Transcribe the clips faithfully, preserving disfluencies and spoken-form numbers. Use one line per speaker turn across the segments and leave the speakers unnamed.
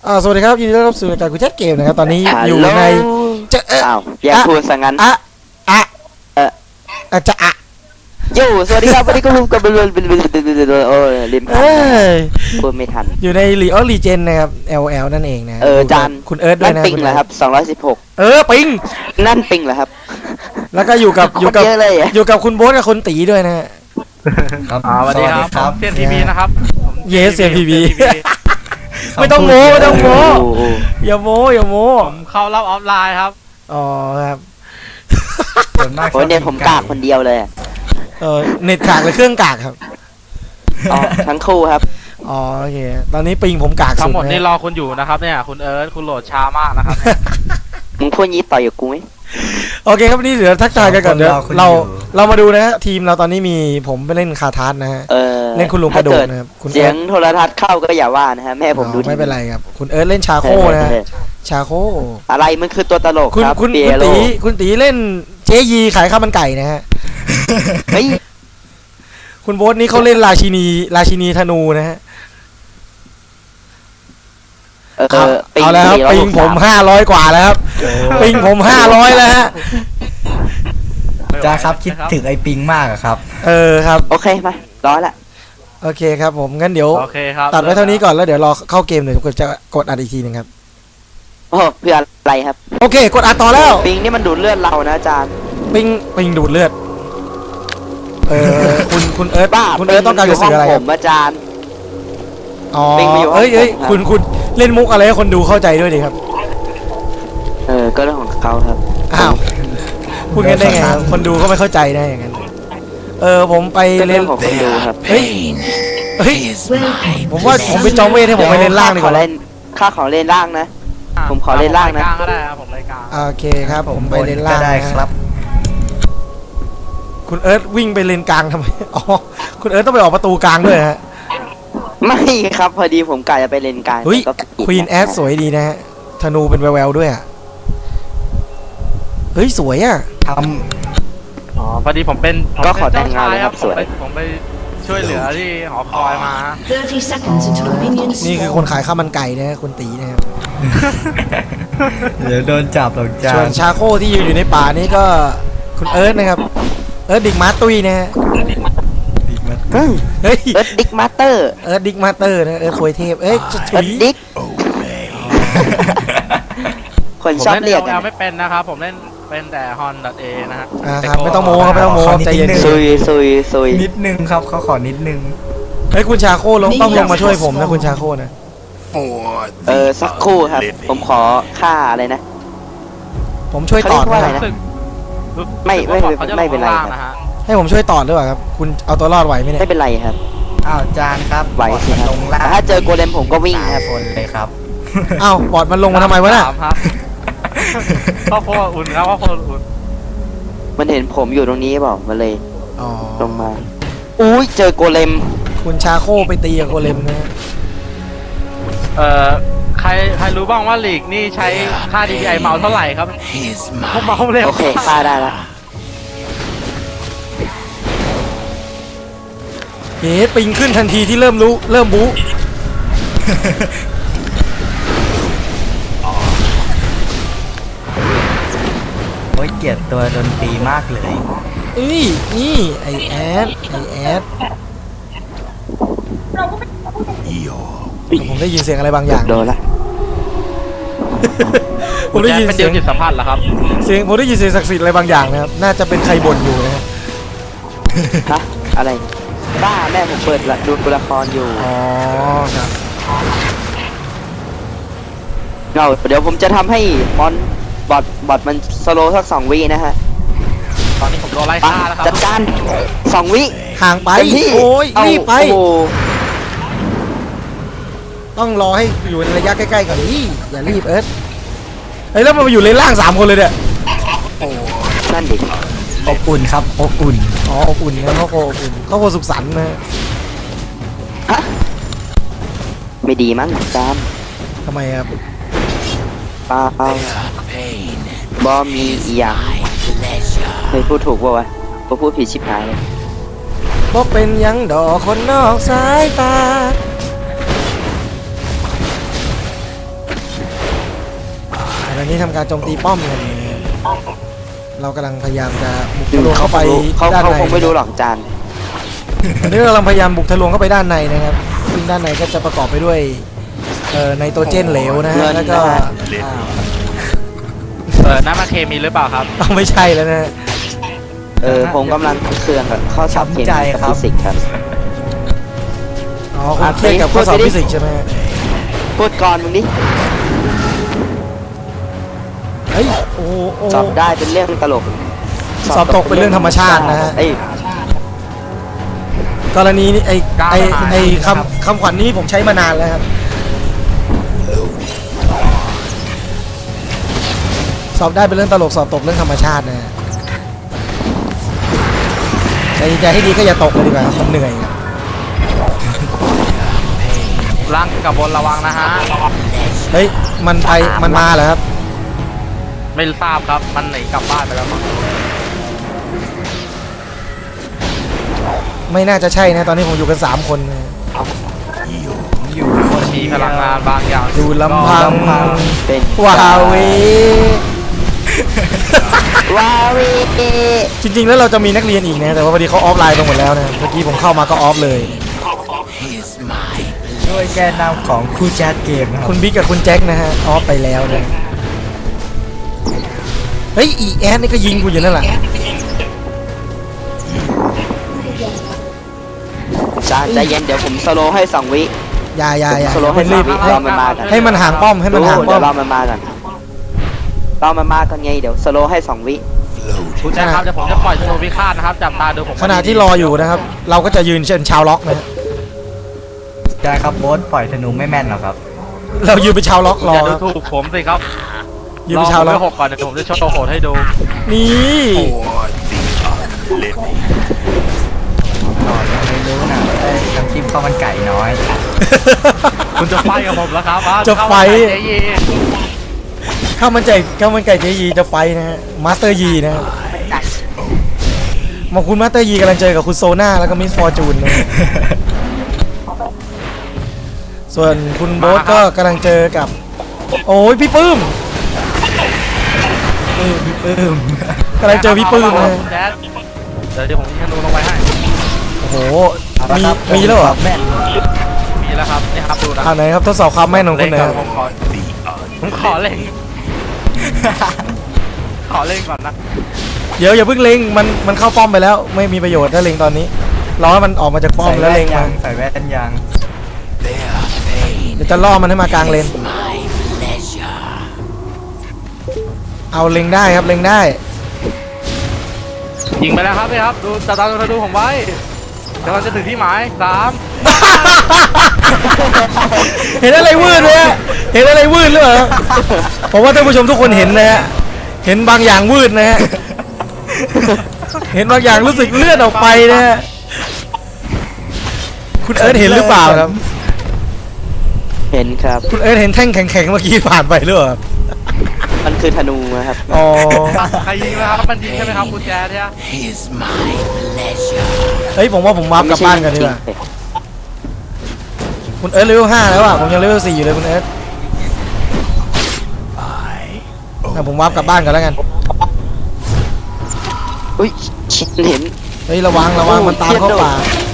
อ่าสวัสดีครับยินดีต้อนรับสู่รายการกูแจ็คเกมนะครับตอนนี้อยู่ในจะเออ
อ้าวอย่าพูดซะงั้น
อะอะ
เออ
อะจะอะ
โย่สวัสดีครับวันนี้ก็รู้กับเบลเบลเบลเบลเบลโอ้ลิมพันพูดไม่ทัน
อยู่ในลีออลีเจนนะครับ แอล แอล นั่นเองนะ
เออจาน
คุณเอิร์ธด้วยนะ
นั่นปิงเหรอครับสองร้อยสิบหก
เออปิง
นั่นปิงเหรอครับ
แล้วก็อยู่กับอยู่กับอยู่กับคุณโบ๊ทกับคุณตีด้วยนะ
ครับสวัสดีครับเซียนทีวีนะครับ
เยสเซียนทีวีไม่ต้องโม้ไม่ต้องโม้อย่าโม้อย่าโม้
ผมเข้ารับออฟไลน์ครับ
อ๋อครับ
โอ้เนี่ยผมกากคนเดียวเลย
เออเน็ตกากหรือเครื่องกากครับ
อ๋อทั้งคู่ครับ
อ๋อโอเคตอนนี้ปิงผมกากสุด
ทั้งหมดนี่รอคุณอยู่นะครับเนี่ยคุณเอิร์ธคุณโหลดช้ามากนะครับ
มึงพูดงี้ต่อยกับกูไหม
โอเคครับนี่เดี๋ยวทักทายกันก่อนเดี๋ยวเราเรามาดูนะฮะทีมเราตอนนี้มีผมไปเล่นคาทาร์นะฮะเล่นคุณลุงกระโดดนะครับ
เสียงโทรทัศน์เข้าก็อย่าว่านะฮะแม่ผมดู
ไม่เป็นไรครับคุณเอิร์ธเล่นชาโคนะชาโค
อะไรมันคือตัวตลกครับ
คุณคุณตีคุณตีเล่นเจยีขายข้าวมันไก่นะฮะ
เฮ้ย
คุณโบ๊ทนี่เขาเล่นราชินีราชินีธนูนะฮะเอาแล้วครับปิงผมห้าร้อยกว่าแล้วครับปิงผมห้าร้อยแล้วฮะ
จ้าครับคิดถึงไอ้ปิงมากครับ
เออครับ
โอเคมาร้อยละ
โอเคครับผมงั้นเดี๋ยวตัดไว้เท่านี้ก่อนแล้วเดี๋ยวรอเข้าเกมเดี๋ยวกดจะกดอัดอีกทีนึงครับ
โอ้เพื่ออะไรครับ
โอเคกดอัดต่อแล้ว
ปิงนี่มันดูดเลือดเรานะอาจารย์
ปิงปิงดูดเลือดเออคุณคุณเอิร์ธบ้าคุณเอิร์ธต้องการจะสื่ออะไร
ผมอาจารย์
อ๋อเอ้ยเอ้ยคุณคุณเล่นมุกอะไรให้คนดูเข้าใจด้วยดิครับ
เออก็เรื่องของเขาครับ
อ้าวพูดงั้นได้ไงคนดูก็ไม่เข้าใจได้อย่างนั้นเออผมไปเล่น
ของคนดูครับ
เฮ้ยเฮ้ยผมว่าผมไปจองเวทให้ผมไปเล่นล่างดีกว่า
เล่นค่าของเล่นล่างนะผมขอเล่นล่างนะ
ก็ได้ครับผมรายการ
โอเคครับผมไปเล่นล่าง
ได้ครับ
คุณเอิร์ธวิ่งไปเลนกลางทำไมอ๋อคุณเอิร์ธต้องไปออกประตูกลางด้วยฮะ
ไม่ครับพอดีผมกะจะไปเลนกลาง
เฮ้ยควีนแอดสวยดีนะฮะธนูเป็นแววๆด้วยอ่ะเฮ้ยสวยอ่ะ
ท
ำอ๋อพอดีผมเป็น
ก็ขอแต่งงานครับสวย
ผมไปช่วยเหลือที่หอคอยมา
นี่คือคนขายข้าวมันไก่นะคุณตีนะครับ
เดี๋ยวโดนจับหรอกจ้า
ส่วนชาโคที่อยู่ในป่านี่ก็คุณเอิร์ธนะครับเอิร์ธดิกมาตุยนะฮะ
เฮ้ยเอิร์ธดิกมาสเตอร์
เอิร์ธดิกมาสเตอร์นะเอิร์ธโคยเทพเอ้ย
เอิร์ธดิกคนชอบเรียก
กันไม่เป็นนะครับผมเล่นเป็นแต่ฮอนดัตเอนะฮะ
ครับไม่ต้องโม้ครับไม่ต้องโม้ใจเย็น
ซุยซุยซุย
นิดนึงครับเขาขอนิดนึง
เฮ้ยคุณชาโคลงต้องลงมาช่วยผมนะคุณชาโคนะ
เออสักครู่ครับผมขอค่าอะไรนะ
ผมช่วยต่อ
อะไรนะไม่ไม่ไม่เป็นไร
นะฮะให้ผมช่วยต่อหรือเปล่าครับคุณเอาตัวรอดไหวไหมเนี่ย
ไม่เป็นไรครับ
อ้าวจานครับ
ไหวสิครับถ้าเจอโกเลมผมก็วิ่งครับ
คนเลยครับ
อ้าวบอดมันลงมาทำไมวะเนี่ย
พ่อพ่ออุ่นครับพ่อพ่ออุ่น
มันเห็นผมอยู่ตรงนี้เปล่ามันเลยลงมาอุ้ยเจอโกเลม
คุณชาโคไปตีกับโกเลมนะ
เอ่อใครใครรู้บ้างว่าลีกนี่ใช้ค่า ดี พี ไอ เมาเท่าไหร่ครับเขาเมาเร็ว
โอเคค่าได้ละ
เฮ้ปิงขึ้นทันทีที่เริ่มรู้เริ่มบู๊
โอ้ยเกลียดตัวดนตรีมากเลย
เอ้ยนี่ไอแอดไอแอดผมได้ยินเสียงอะไรบางอย่าง
โดนละ
ผมได้ยินเสียง
จิตสัมผัสเหรอครับ
เสียงผมได้ยินเสียงศักดิ์สิทธิ์อะไรบางอย่างนะครับน่าจะเป็นใครบ่นอยู่นะฮะ
ฮะอะไรบ้าแม่ผมเปิดดูละครอยู่
อ๋อครับ
เราเดี๋ยวผมจะทำให้มอนบอทบอทมันสโลสักสองวินะฮะ
ตอนนี้ผมโดนไล่ฆ่าแล้วครับ
จัดการสองวิ
ห่างไปโอ้ยรีบไปต้องรอให้อยู่ในระยะใกล้ๆก่อนนี่อย่ารีบเอิร์ธไอ้แล้วมันมาอยู่เลนล่างสามคนเลยเนี่ย
นั่นดิ
อบอุ่นครับอบอุ่น
อ๋ออบอุ่นนะเขาโคอบอุ่นเขาโคสุขสันต์นะ
ฮะไม่ดีมั้งจาม
ทำไมครับ
เปล่าบอมีอีหยังเคยพูดถูกป่าวะพอพูดผิดชิบหายเลย
เพราะเป็นยังดอกคนนอกสายตาตอนนี้ทำการโจมตีป้อมกันนะเรากำลังพยายามจะบุกทะลวงเข้าไป
เขา
ด้าน
เขา
ใน
คงไม่รู้หรอกจาน
ตอนนี้เรากำลังพยายามบุกทะลวงเข้าไปด้านในนะครับซึ่งด้านในก็จะประกอบไปด้วยเอ่อไนโตรเจนเหลวนะฮะแล้วก็
เออน้ำมันเคมีหรือเปล่าครับ
เอาไม่ใช่แล้วนะฮะ
เออผมกำลังเครื่องกับข้อสอบเคมีกับฟิสิกส์ครับ
อ๋อคุณเครียดกับข้อสอบฟิสิกส์ใช่ไหมฮะ
พูดก่อนมึงดิ
เฮ้ยโอ้โหโอ้
สอบได้เป็นเรื่องตลก
สอบตกเป็นเรื่องธรรมชาตินะฮะ
เอ้ย
กรณีนี้ไอ้ไอ้ไอ้คำคำขวัญนี้ผมใช้มานานแล้วครับสอบได้เป็นเรื่องตลกสอบตกเรื่องธรรมชาตินะฮะใจใจให้ดีก็อย่าตกเลยดีกว่ามันเหนื่อยอะ
ล่างกับบนระวังนะฮะ
เฮ้ยมันไปมันมาเหรอครับ
ไม่ทราบครับมันหนีกลับบ้านไปแล้วมั้ง
ไม่น่าจะใช่นะตอนนี้ผมอยู่กันสามคนนะ
อยู่คน
มีพลังงานบางอย่าง
ดูลำพัง
เป็น
ว้าเว
ว้าวี
จริงๆแล้วเราจะมีนักเรียนอีกนะแต่ว่าพอดีเขาออฟไลน์ไปหมดแล้วนะเมื่อกี้ผมเข้ามาก็ออฟเลย
ด้วยแกนนำของคู่แจ๊ดเกมนะครับ
คุณบิ๊กกับคุณแจ็คนะฮะออฟไปแล้วนะเฮ้ยอีแอนนี่ก็ยิงกูอยู่นั่นแหละ
จานใจเย็นเดี๋ยวผมสโลว์ให้สองวิ
อย่าอย่าอย่า
สโลว์ให้
รี
สา
บ
มวิรอมันมากัน
ให้มันห่างป้อมให้มันห่างป้
เดี๋
อ
ยว
ม
รอมันมากันรอมันมากันไงเดี๋ยวสโลว์ให้สองวิ
คุณแจ๊คครับเดี๋ยวผมจะปล่อยธนูพิฆาตนะครับจับตาดูผม
ขณะที่รออยู่นะครับ เราก็จะยืนเช่นชาวล็อกนะฮะ
ได้ครับโบสปล่อยธนูไม่แม่นหรอกครับ
เรายืนเป็นชาวล็อกรอ
อย่าดูถูกผมสิครับ
ยืนเป็นชาวล็
ร
อ
อก ผมไปหกก่อนเดี๋ยวผมจะโชว์โหดให้ดู
นี่
ต่อยังไม่รู้นะได้น้ำจิ้มข้าวมันไก่น้อย
คุณจะไฟกับผมแล้วครับ
จะไฟ
เจ๊ยี
ข้าวมันไก่ข้าวมันไก่เจยีจะไฟนะฮะมาสเตอร์ยีนะฮะมาคุณมาสเตอร์ยีกำลังเจอกับคุณโซน่าแล้วก็มิสฟอร์จูนนะฮะส่วนคุณโบ๊ทก็กำลังเจอกับ โอ้ยพี่ปื้ม
ปื้มปื้ม
กำลังเจอพี่ปื้มนะฮะ
แจ๊คเดี๋ยวเดี๋ยวผมยิงธนูลงไปให้
โอ้โหมีมีแล้วเหรอ
แม่น
มีแล้วครับนี่ครับดูนะ
อ่าไหนครับทดสอบความแม่นของคุ
เล่
ณ
น
หนะ
ก่อนผมขอผมขอเล่งขอเล่งก่อนนะ
เดี๋ยวอย่าเพิ่งเล็งมันมันเข้าป้อมไปแล้ว ไม่มีประโยชน์ถ้าเล็งตอนนี้รอให้มันออกมาจากป้อมแล้วเล็ง
ยั
มาง
ใส่แว่นยัง
เดี๋ยวจะล่อมันให้มากลางเลนเอาเล็งได้ครับเล็งได้
ยิงไปแล้วครับนี่ครับดูจับตาดูผมไว้เดี๋ยวเราจะถึงที่หมายสาม
เห็นอะไรวืดเลยฮะเห็นอะไรวืดหรือเปล่าผมว่าท่านผู้ชมทุกคนเห็นนะฮะเห็นบางอย่างวืดนะฮะเห็นบางอย่างรู้สึกเลื่อนออกไปนะฮะคุณเอิร์ธเห็นหรือเปล่าครับ
เห็นครับ
คุณเอิร์ธเห็นแท่งแข็งๆเมื่อกี้ผ่านไปหรือเปล่า
มันคือธนูนะครับ
อ๋อ
ใครยิงนะครับมันยิงใช่ไหมครับคุณแจ๊ดเนี่ย
เฮ้ยผมว่าผมวาร์ปกลับบ้านกันดีกว่าคุณเอิร์ธเลเวลห้าแล้วอ่ะผมยังเลเวลสี่อยู่เลยคุณเอิร์ธอ่ะผมวาร์ปกลับบ้านกันแล้วกัน
อุ้ยชิดเห็น
เฮ้ยระวังระวังมันตามเข้าป่า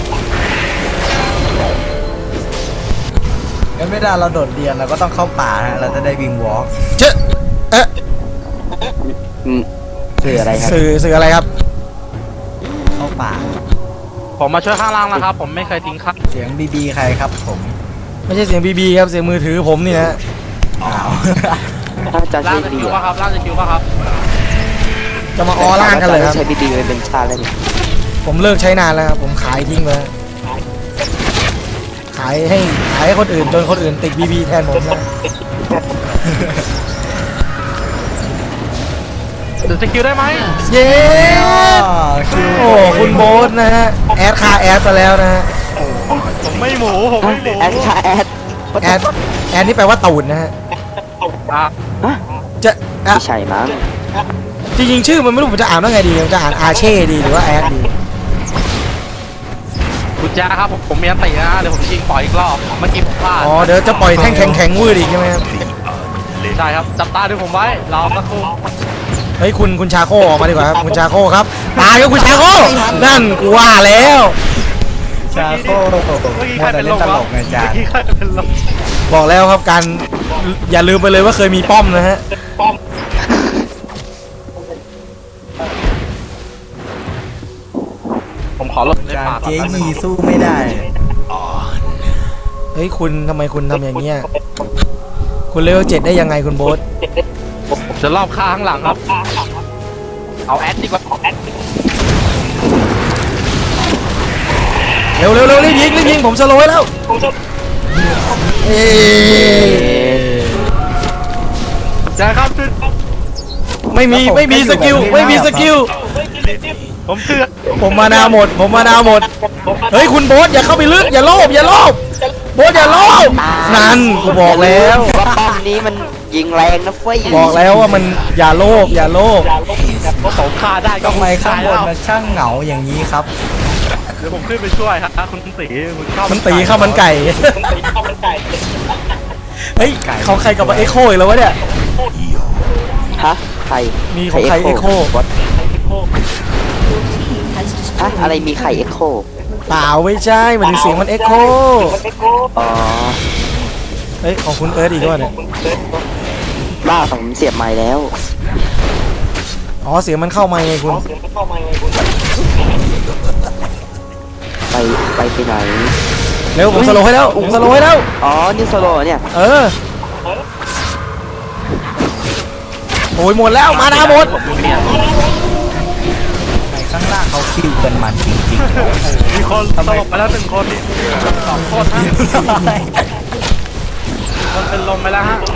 งั้นเวลาเราโดดเรียนเราก็ต้องเข้าป่าฮะเราจะได้วิ่งวอล์ก
เจ๊ะเอ๊ะ
อืมคืออะไรครับ
สื่อสื่ออะไรครับ
เข้าป่า
ผมมาช่วยข้างล่างนะครับ ผมไม่เคยทิ้งครับ
เสียงบีบีใครครับผม
ไม่ใช่เสียงบีบีครับเสียงมือถือผมนี่นะ
อ้าว
ถ้าจะ
ล่า
ใช้
งจะ
ดี
คิวป่ะครับล่างจะคิวป่ะครับ
จะมาออล่างกันเลยครับ
ใช้บีดีเป็นชาแล้วนี่
ผมเลิกใช้นานแล้วครับผมขายทิ้งไปแล้วขายให้ขายให้คนอื่นจนคนอื่นติดบีบีแทนผมนะ
หรือจะคิวได้ไหม
เย้ โอ้คุณโบ๊ทนะฮะแอดคาแอดซะแล้วนะฮะ
ผมไม่หมูผมไม่หมู
แอดค่ะแอด
แอดแอดนี่แปลว่าตูดนะฮะ
อ่ะ
ฮะ
จะอ่ะ
ไม่ใช่มั้ง
จริงๆชื่อมันไม่รู้ผมจะอ่านว่าไงดีผมจะอ่านอาเช่ดีหรือว่าแอดดี
คุณแจ๊คครับผมผมมีอันตินะเดี๋ยวผมยิงปล่อยอีกรอบเมื่อกี้ผมพลาด
อ๋อเดี๋ยวจะปล่อยแท่งแข็งแข็งๆวืดอีกใช่ไหมครับ
ใช่ครับจับตาดูผมไว้รอสักครู่
เฮ้ยคุณคุณชาโคออกมาดีกว่าครับคุณชาโคครับตายครับคุณชาโคนั่นกูว่าแล้ว
ชาโค
เมื่อกี้
มั
ใคว ร
แต่
เป็น
เล่
ล
น
ม
ตล
วะ
กนะอาจาร
เมื่อ
ย์
กี้ใครเป็นลม
บอกแล้วครับการอย่าลืมไปเลยว่าเคยมีป้อมนะฮะ
ผมขอลดใน
อาจาร
ปาก
ย์
ก่อน
เจ๊
แป๊บนึง
ยีสู้ไม่ได้
เฮ้ยคุณทำไมคุณทำอย่างเงี้ยคุณเลเวลเจ็ดได้ยังไงคุณโบ๊ท
จะรอบข้างหลังครับ เอาแอดดีกว่าแอด
เร็วเร็วเร็วรีบยิงรีบยิงผมสโลว์ไว้แล้วเอ้ย
ใช่ครับ
ไม่มีไม่มีสกิลไม่มีสกิล
ผมเตือน
ผมมานาหมด ผมมานาหมด เฮ้ยคุณโบ๊ทอย่าเข้าไปลึกอย่าโลภอย่าโลภโบ๊ทอย่าโลภนั่นกูบอกแล้ว
ว่าป้อมนี้มันยิงแรงนะเฟ้ย
บอกแล้วว่ามันอย่าโลภอย่าโลภ
ก็ผมฆ่าได้ก็
ทำไมข้างบน
แล้ว
มันช่างเหงาอย่างนี้ครับ
เดี๋ยวผมขึ้นไปช่วยครับคุณตีคุณเข้า
มันตีข้าวมันไก่เฮ้ยเขาใครกับเอ็กโคอีกแล้ววะเนี่ย
ฮะใคร
มีของใคร Echo
ฮะอะไรมีไข่เอ็กโค
เปล่าไม่ใช่หมันถึงเสียงมันเอ็กโค
อ๋อ
เฮ้ยของคุณเอิร์ธอีกด้วยเนี่ย
บ้าผมเสียบไม้แล้ว
อ๋อเสียงมันเข้ามาไงคุณ
ไปไปไปไหน
เร็วผมสโลว์ให้แล้วผมสโลว์ให้แล้ว
อ๋อนี่โซโล่เนี่ย
เออโอ้ยหมดแล้วมานาหมด
ในข้างล่างเขาคิวกันมันจริง
มีคนตกไปแล้วหนึ่งคนสองคนฮะ
ๆ
คนเป็นลมไปแล้วฮะ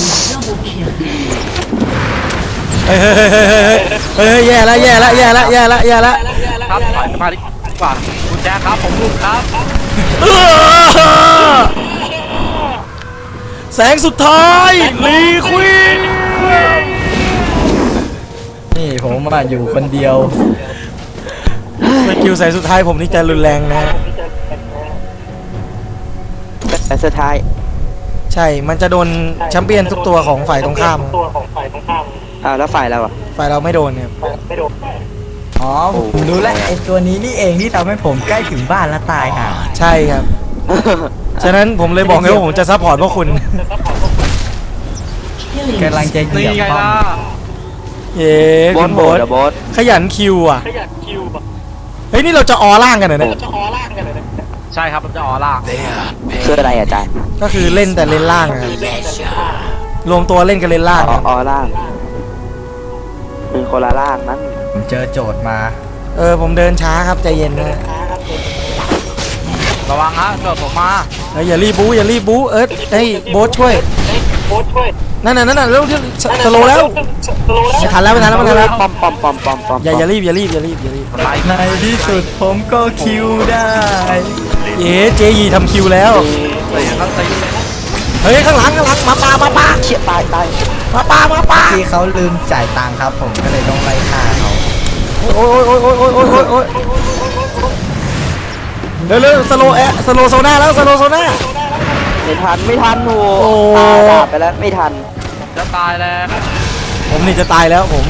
เฮ้ยเฮ้ยเฮ้ยเฮ้ยเฮ้ยเฮ้ยแย่แล้วแย่แล้วแย่แล้วแย่แล้วแย่แล้ว
ครับถอยมาดีกว่าคุณแจ๊คครับผมลุกครับ
เออแสงสุดท้ายลีควีน
นี่ผมมาอยู่คนเดียว
สกิลแสงสุดท้ายผมนี่จะรุนแรงนะฮะ
แต่สุดท้าย
ใช่มันจะโดนแชมเปี้ยนทุกตัวของฝ่ายตรงข้าม
อ้าวแล้วฝ่ายเราอะ
ฝ่ายเราไม่โดนเนี่ย
อ๋อผมรู้แล้วไอ้ตัวนี้นี่เองที่ทำให้ผมใกล้ถึงบ้านแล้วตายห่า
ใช่ครับ ฉะนั้นผมเลยบอกไงว่าผมจะซัพพอร์ตพวกคุณ
กำลังจะเหยี
นี่
ยบ
ไง
ป้อ
ล่ะ
ม
เย้
โบ
คุ
ส
ณ
โบ
โบ๊
ส
ท
โบส
ขยันคิวอ่ะเฮ้ยนี่เราจะออล่างกันเหรอเนี่ย
ใช่ครับผมจะออร่า
คืออะไรอาจารย์
ก็คือเล่นแต่เล่นล่างอะรวมตัวเล่นกันเล่นล่าง
อ๋อ
อะ
อ๋อล่างเป็นคนละล่างนั้น
ผมเจอโจทย์มา
เออผมเดินช้าครับใจเย็นนะ
ระวังฮะเกิดผมมา
เฮ้ยอย่ารีบบู๊อย่ารีบบู๊เอิร์ธให้โบ๊ทช่วยนั่นน่ะนั่นน่ะเร็วสสโลว์แล้วไม่ทันแล้วไม่ทันแล้วไม่ทันแล้ว
ปอมปอมปอมปอมปอม
อย่าอย่ารีบอย่ารีบอย่ารีบอย่ารีบ
ไล่
ในที่สุดผมก็คิวได้
เย้เจยีทำคิวแล้ว
ตีครับตี
เฮ้ยข้างหลังข้างหลังมาปามาปา
เชี่ยตายตาย
มาปามาปา
ที่เขาลืมจ่ายตังค์ครับ ผมก็เลยต้องไล่ฆ่าเขา
โอ้ยโอ้ยโอ้ยโอ้ยโอ้ยโอ้ยโอ้ยเร็วเร็วสโลแอะสโลโซน่าแล้วสโลโซน่า
ไม่ทันไม่ทันโห
โอ้
ตาดาบไปแล้วไม่ทัน
จะตายแล้ว
ผมนี่จะตายแล้วผม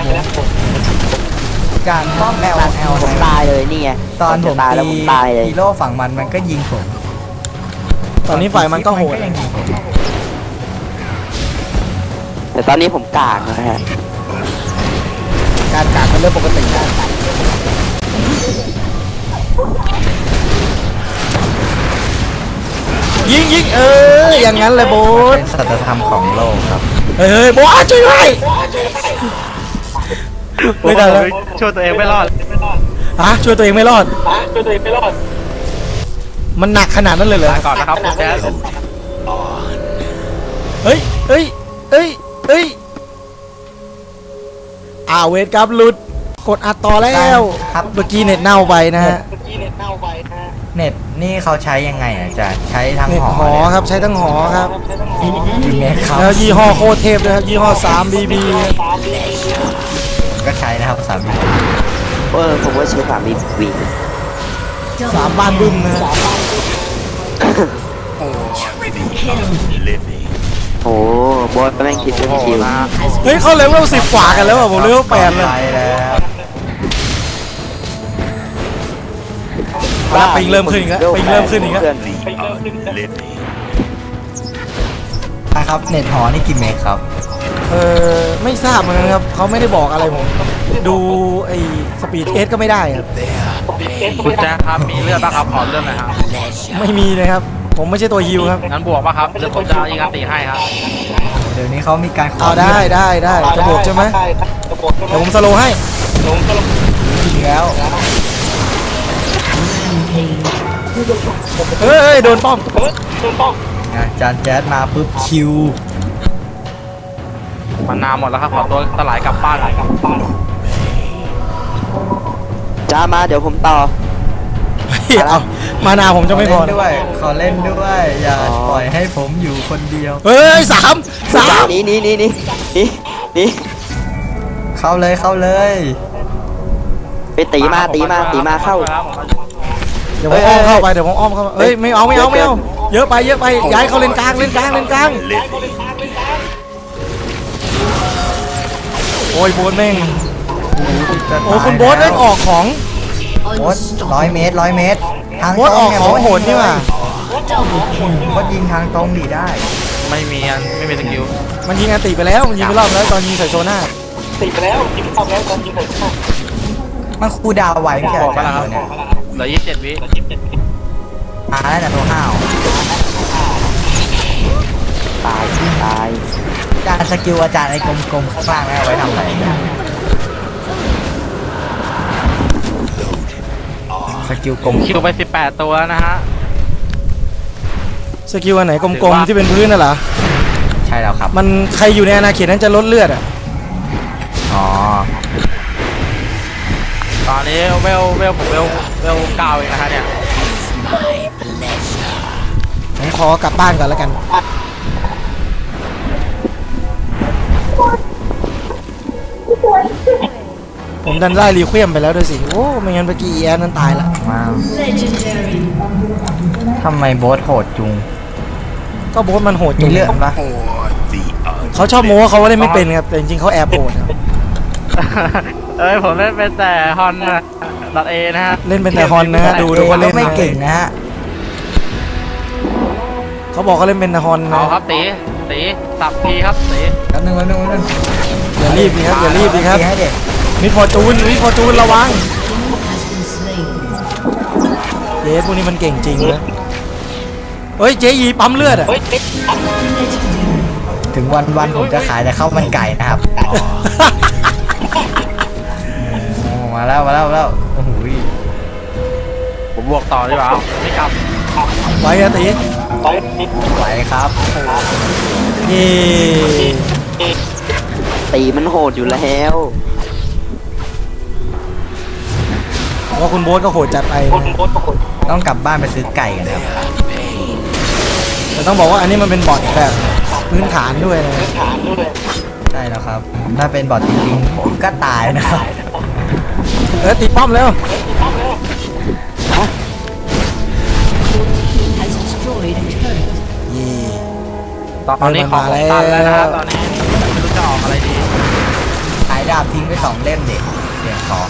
การป้อม
แมว
แอลแอล
ผมตายเลยนี่ไง
ตอนผ
จะ
ม
ตายแล้ว
ตี
ผมตายเลย
ฮีโร่ฝั่งมันมันก็ยิงผม
ตอนนี้ฝ่ายมันก็โหด
ยังยิงผม
แต่ตอนนี้ผมกากนะฮะ
การกาดเป็นเรื่องปกตินะยิงยิงเอออย่างนั้นเลยโบ๊ท
เป็นสัจธรรมของโลกครับ
เฮ้ยเฮ้ยโบ๊ทช่วยด้วยไม่ได้แล้ว
ช่วยตัวเองไม่รอด
ฮะช่วยตัวเองไม่รอดมันหนักขนาดนั้นเลยเหรอ
ลาก่อนนะครับคุณแจ๊ค
เฮ้ยเฮ้ยเฮ้ยเฮ้ยอ่าเวทครับหลุดกดอัดต่อแล้ว
ครับ
เมื่อกี้เน็ตเน่าไปนะฮะ
เน็ตนี่เขาใช้ยังไงอ่ะอาจารย์ใช้ทั้ง
เน็ต
หอ
หอครับใช้ทั้งหอครับ
จริงไหมครับ
แล้วยี่ห้อโคตรเทพด้วยครับยี่ห้อ สาม บี บี
ก็ใช้นะครับสามี
เออผมว่าใช้สามวีวี
สามบ้านบึ้มนะฮะ
โอ้บอสแม่งคิดเรื่องคิว
นะฮะ
เฮ้ยเขาเลเวลสิบกว่ากันแล้วอ่ะผมเลเวลแปดเลย
ไปแล้ว
แล้วปิงเริ่มขึ้นอีกแล้วปิงเริ่มขึ้นอีกแล้ว
นะครับเน็ตหอนี่กี่เมกครับ
เออไม่ทราบเหมือนกันครับเขาไม่ได้บอกอะไรผมดูไอ้สปีดเอสก็ไม่ได้ครับ
คุณแจ๊คครับมีเลือดป่ะครับขอเลือดหน่อยครับ
ไม่มีเลยครับ ผมไม่ใช่ตัวฮิวครับ
งั้นบวกป่ะครับเดี๋ยวผมจะยิงอันตีให้ครับ
เดี๋ยวนี้เขามีการขอ
เอาได้ได้ได้จะบวกใช่ไหมเดี๋ยวผมสโลว์ให้
จริงแล้ว
เฮ้ยโดนป้อม
อ่ะจานแจ๊ดมาปุ๊บคิว
มันนานหมดแล้วครับขอตัวสลายกลับบ้านหน่อย
จ้ามาเดี๋ยวผมต่อ
เอามานาผมจะไม่พอ
ขอเล่นด้วย ขอเล่นด้วย อย่า
อ๋อ
ปล่อยให้ผมอยู่คนเดียว
เฮ้ยสามสาม
หนี่นี่นี่นี่นี่นี่
เข้าเลยเข้าเลย
ไปตีมาตีมาตีมาเข้า
เดี๋ยวผมอ้อมเข้าไปเดี๋ยวผมอ้อมเข้าไปเฮ้ยไม่เอาไม่เอาไม่เอาเยอะไปเยอะไปย้ายเขาเลนกลางเลนกลางเลนกลางโอ้ยโบนแม่งโอ้คุณโบนเล่นออกของ
โบสร้อยเมตรร้อยเมตร ทาง
โบนออกของโหดนี่ว่ะ
โบสยิงทางตรงดีได้
ไม่มีอันไม่มีสกิล
มันยิงอันติไปแล้วมันยิงไปรอบแล้วตอนยิงใส่โซน่า
มันคูลดาวน์ไว้ไม่ใช่เหรอจานตัวเนี่ย
เหลือยี่สิบเจ็ดวิ
มาแล้วนะตัวห้าว
ตายตาย
จานสกิลอาจารย์ไอ้กลมๆข้างล่างแล้วเอาไว้ทำอะไรเนี่ยสกิลกลม
คิวไปสิบแปดตัวนะฮะ
สกิลอันไหนกลมๆที่เป็นพื้นน่ะเหรอ
ใช่แล้วครับ
มันใครอยู่ในอาณาเขตนั้นจะลดเลือดอ่ะ
อ๋อ
ตอนนี้เวลเวลผมเวลเวลเก้าเองนะฮะเนี่ย
ผมขอกลับบ้านก่อนแล้วกัน ผมดันไล่รีเควมไปแล้วด้วยสิ โอ้ไม่งั้นเมื่อกี้แอนนั้นตายละ
มาทำไมโบสโหดจุง
ก็โบสมันโหดจ
มี
ริง
เลือดปะ
เขาชอบโม้ว่าเขาเล่นไม่เป็นครับ แต่จริงๆเขาแอบโหดครับ
เอ้ยผมเล่นเป็นแต่ฮอนนะดอทเอนะฮะ
เล่นเป็นแต่ฮอนนะฮะดูดูว่าเล่น
ไม่
นะ
เก่งนะฮะ
เขาบอกเขาเล่นเป็นแต่ฮอน
เอา
นะครับ
ตีตีสับทีครับตี
แป๊บนึงแป๊บนึงแป๊บนึง
อย่ารีบดีครับอย่ารีบดีครับ
ตีให้เด็ก
มิดฟอร์จูนมิดฟอร์จูนระวังเจ๊พวกนี้มันเก่งจริงนะเฮ้ยเจ๊ยีปั๊มเลือดอ่ะ
ถึงวันวันผมจะขายแต่ข้าวมันไก่นะครับโอ้มาแล้วมาแล้วมาแล้วโอ้โห
ผมบวกต่อดีกว่าเอาไม่กลับ
ไว้อะตี
ไหวครับ
เย่
ตีมันโหดอยู่แล้ว
ว่าคุณโบ๊ทก็โหดจัดไปนะ
ต้องกลับบ้านไปซื้อไก่กันครับ
แต่ต้องบอกว่าอันนี้มันเป็นบอทแบบพื้นฐานด้วยนะ
ใช่แล้วครับ ถ้าเป็นบอดจริงๆผมก็ตายนะครับ
เออตีป้อมแล้วเย่
ตอนนี้ของผมตันแล้วนะฮะตอนนี้ไม่รู้จะออกอะไรดี
ขายดาบทิ้งไปสองเล่มเด็กเสียงของ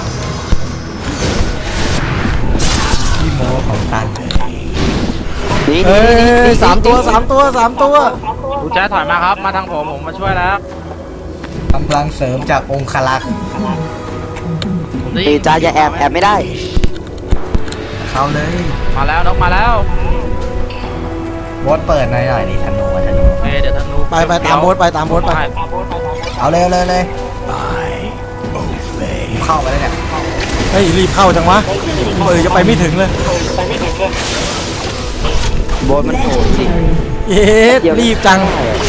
พี่โมของตัน
นี่
เอ้
นี่นี่
ย
นี่
สามตัวสามตัวสามตัว
ดูแจ๊ถอยมาครับมาทางผมผมมาช่วยแล้ว
กำลังเสริมจากองคลักษ์
ผมได้
ตี
ยิน
จ้าอย่าแอบแอบไม่ได้
เข้าเลย
มาแล้วนกมาแล้ว
โบสเปิดหน่อยหน่อยดิธนูอะธนู
โอเคเดี๋ยวธนู
ไปไปตามโบ๊ทไปตามโบ๊ทไป
เอาเลยเอาเลยเลยเข้าไปเลยเนี่ย
เฮ้ยรีบเข้าจังวะเออจะไปไม่ถึงเลย
โบสมันโหดจริง
เอ๊ะรีบจัง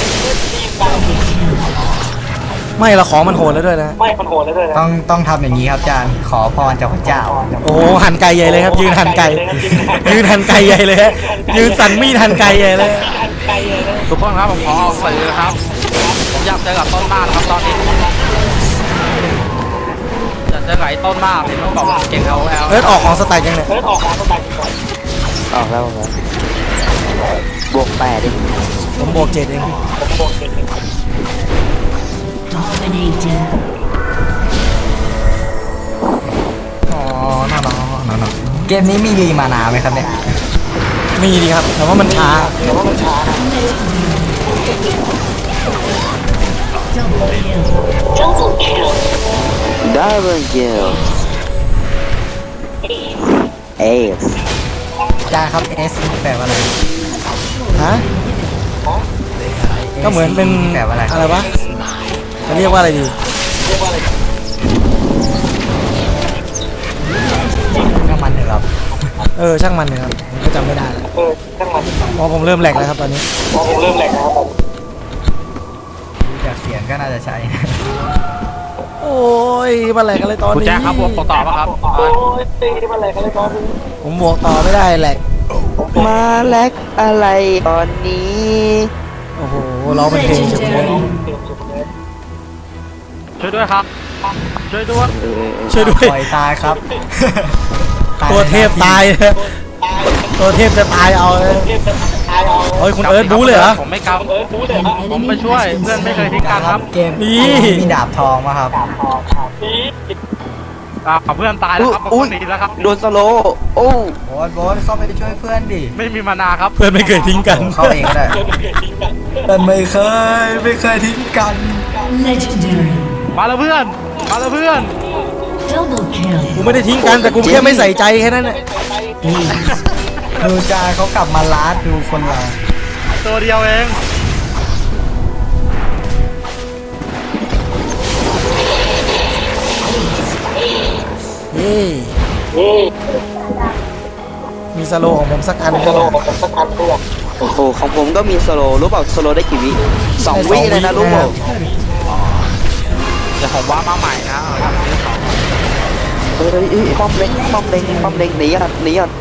ไม่ละของมันโหดแล้วด้วยนะ
ต้องต้องทำอย่างนี้ครับอาจารย์ขอพรจากพระเจ้า
โอ้โหหั่นไก่ใหญ่เลยครับ ยืนหั่นไก่ยืนหั่นไก่ใหญ่เลยฮะยืนสั่นมีดหั่นไก่ใหญ่เลย
ทุกคนครับผมขอออกสื่อครับผมอยากเจอกับต้นมากครับตอนนี้อยากเจอกับไอ้ต้นมากเห็นมันบอกว่าเก่ง L O L
เอิร์ธออกของสไตล์ยังเนี่ย
ออกแล้วออกแล้วบวกแปดดิ
ผมบวกเจ็ดเอง
Dominating.
อ๋อน่ารักน่ารักเกมนี้มีรีมานาไหมครับเนี่ย
มีดีครับ แต่ว่ามันช้า
Double kill.
ดับเบิลคิลเอส
จานครับเอสแปลว่าอะไร
ฮะ ก็เหมือนเป็น
แปลว่าอะไร
อะไรวะ จะเรียกว่าอะไรดี
ก็มันเถอะครับ
เออ ช่างมันเลยครับผมก็จำไม่ได้แล้วเพราะผมเริ่มแหลกแล้วครับตอนนี้
ดูจากเสียงก็น่าจะใช่
โอ้ยมาแหลกอะไรตอน
คุณ
นี้
แจ็คครับผมต่อป่ะครับ
ผมบวกต่อไม่ได้แหลก
มาแลกอะไรตอนนี้
โอ้โหร้องเป็นเพลงเฉยเลย
ช่วยด้วยครับ ช่วยด้วย
เออ
ช่วยด้วย
ปล่อยตายครับ
ตัวเทพตายเลยตัวเทพจะตายเอาเลยโอ้ยคุณเอิร์ธบู๊เลยเหรอ
ผมไม่กำผมไปช่วย เพื่อนไม่เคยทิ้งกันครับ
เกม
นี่
มีดาบทองมาครับ
อ่าเพื่อนตายแล้วครับผม
อุ้ย
หนีแล้วครับ
โดนสโลว์โอ้
โบ๊ทโบ๊ทเข้าไปช่วยเพื่อนดิ
ไม่มีมานาครับ
เพื่อนไม่เคยทิ้งกัน
เข้าเองก็ได้แต่ไม่เคยไม่เคยทิ้งกัน
Legendary.
มาแล้วเพื่อน มาแล้วเพื่อน
Double kill.
กูไม่ได้ทิ้งกันแต่กูแค่ไม่ใส่ใจแค่นั้นแหละ
ดูจานเขากลับมาลาดดูคนเรา
ตัวเดียวเอง
เย้มีสโลว์ของผมสักอันก็ได้
โอ้โหของผมก็มีสโลว์รู้เปล่าสโลว์ได้กี่วิสองวิเลยนะรู้เปล่า
เดี๋ยวผมว่ามาใหม่นะเอาครับ
เฮ้ยเฮ้ยเฮ้ยป้อมเล็งป้อมเล็งป้อมเล็งหนีอ่ะหนีอ่ะ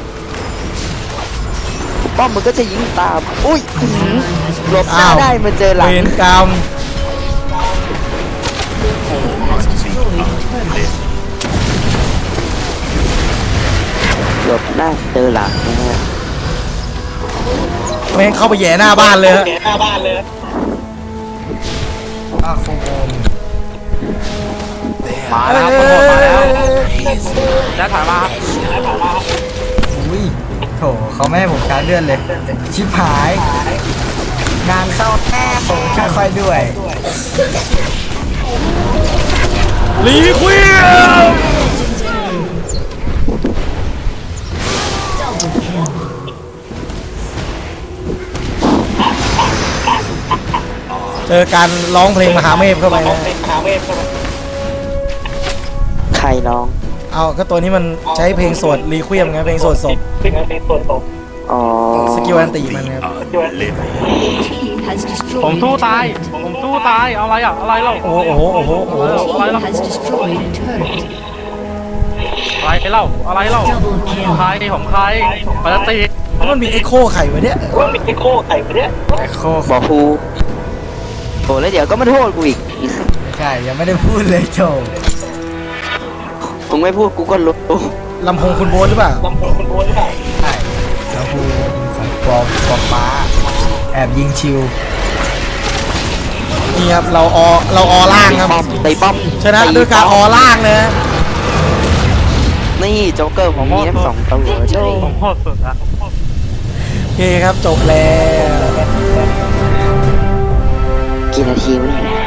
ป้อมมันก็จะยิงตามอุ้ยอื้อหือหลบหน้าได้มันเจอหลัง
เวรกรรม
Has destroyed turret.
หลบหน้าเจอหลังนะฮะ
แม่งเข้าไปแย่หน้าบ้านเลยฮะ
อาโคโมม
มาแล้วครับคนโหดมาแล้วแจ็คถอยมาครับ
อุ้ยโถเขาไม่ให้ผมการเลื่อนเลย ชิบหาย งานเข้าแท้ผมค่อยๆด้วย
ลีควีน
Double kill.
เจอการร้องเพลงมหาเมฆเข้าไปนะ
ใครน้อง
เอาก็ตัวนี้มันใช้เพลงสวดรีควีมไงเพลงสวดศพ
อ๋อ
สกิลอันติมันครับ
Team has
ผม
destroyed
สู้
a
ตาย
turret.
ผมสู้ตาย เอาอะไรอ่ะ อะไรเล่า
โอ้โหโอ้โหโอ้โหโอ้โห
Team has destroyed a turret.
อะไรเล่า อะไรเล่า
Double kill.
ใครผมใครปกติ
มันมีเอ็กโคไข่ไว้เนี่ย
แต่โค
บอกครูโอ้แล้วเดี๋ยวก็มาโทษกูอีก
ใช่ ยังไม่ได้พูดเลยโจ
มึงไม่พูดกูก็รู้
ลำโพงคุณโบ๊ทหรือเปล่า
ใช่แล้วพูดของปอมปอมม้า แอบยิงชิว
นี่ครับเราออเราออล่างครับ
ป้อมตีป้อม
ชนะด้วยการออล่างเลยนะ
นี่โจ๊กเกอร์ผมมีทั้งสองตัวโจ้
ผมโหดสุดละ
โอเคครับจบแล้ว
กี่นาทีวะเนี่ย